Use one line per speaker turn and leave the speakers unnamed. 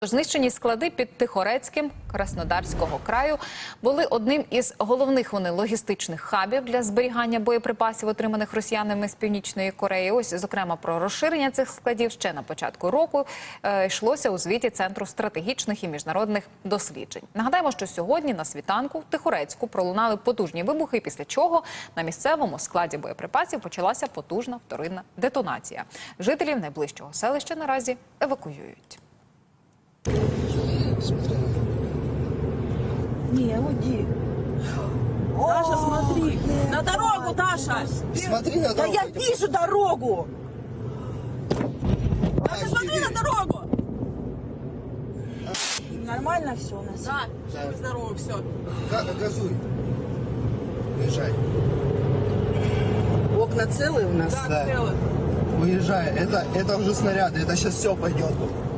Знищені склади під Тихорецьким Краснодарського краю були одним із головних логістичних хабів для зберігання боєприпасів, отриманих росіянами з Північної Кореї. Ось, зокрема, про розширення цих складів ще на початку року йшлося у звіті Центру стратегічних і міжнародних досліджень. Нагадаємо, що сьогодні на світанку в Тихорецьку пролунали потужні вибухи, після чого на місцевому складі боєприпасів почалася потужна вторинна детонація. Жителів найближчого селища наразі евакуюють.
Не, уйди. Таша, смотри. На дорогу, Таша.
Смотри на
Да
дорогу.
я вижу дорогу. Таша, смотри на дорогу. Нормально все у нас?
Да, здорово, все.
Газуй. Уезжай.
Окна целые у нас?
Да, целых.
Уезжай. Это уже снаряды. Это сейчас все пойдет.